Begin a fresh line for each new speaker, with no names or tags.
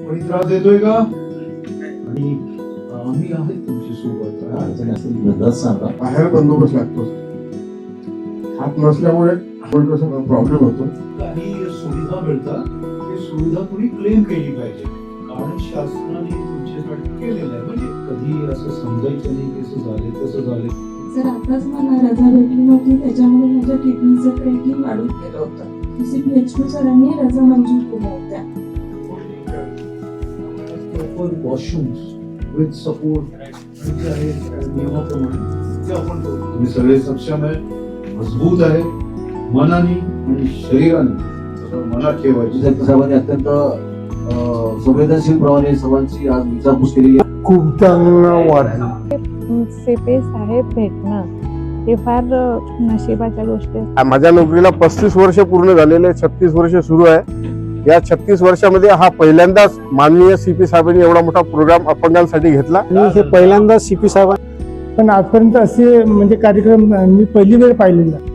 कोणी त्रास देतोय का? आणि आम्ही आहे तुमची सोबत. काय अडचण असेल बिनधास्त सांगा.
बाहेर बंदोबस्त लागतो. हात नसल्यामुळे प्रॉब्लेम होतो.
काही सुविधा मिळतात, ती सुविधा तुम्ही क्लेम केली पाहिजे, कारण शासनाने तुमच्यासाठी केलेलं आहे. म्हणजे कधी असं समजायचं नाही की असं झाले तसं झाले.
जर आताच मला रजा भेटली नव्हती, त्याच्यामुळे माझ्या किडनीचं क्रेडिट वाढून गेलं होतं. PCPHQ सरांनी रजा मंजूर केल्या होत्या.
प्रॉपर वॉशरूम्स विथ सपोर्ट नियमाप्रमाणे ते आपण करू. तुम्ही सगळे सक्षम आहे, मजबूत आहे, मनाने आणि शरीराने सगळं मनात ठेवायची.
साहेबांनी अत्यंत संवेदनशील प्रमाणे सर्वांची आज विचारपूस केली.
खूप चांगलं वाटलं.
सीपी साहेब भेटणं हे फार नशिबाच्या गोष्टी आहेत.
माझ्या नोकरीला 35 वर्ष पूर्ण झालेले, 36 वर्ष सुरू आहे. या 36 वर्षामध्ये हा पहिल्यांदाच माननीय CP साहेबांनी एवढा मोठा प्रोग्राम अपंगांसाठी घेतला.
आणि हे पहिल्यांदा CP साहेब, पण आजपर्यंत असे म्हणजे कार्यक्रम मी पहिली वेळ पाहिलेला.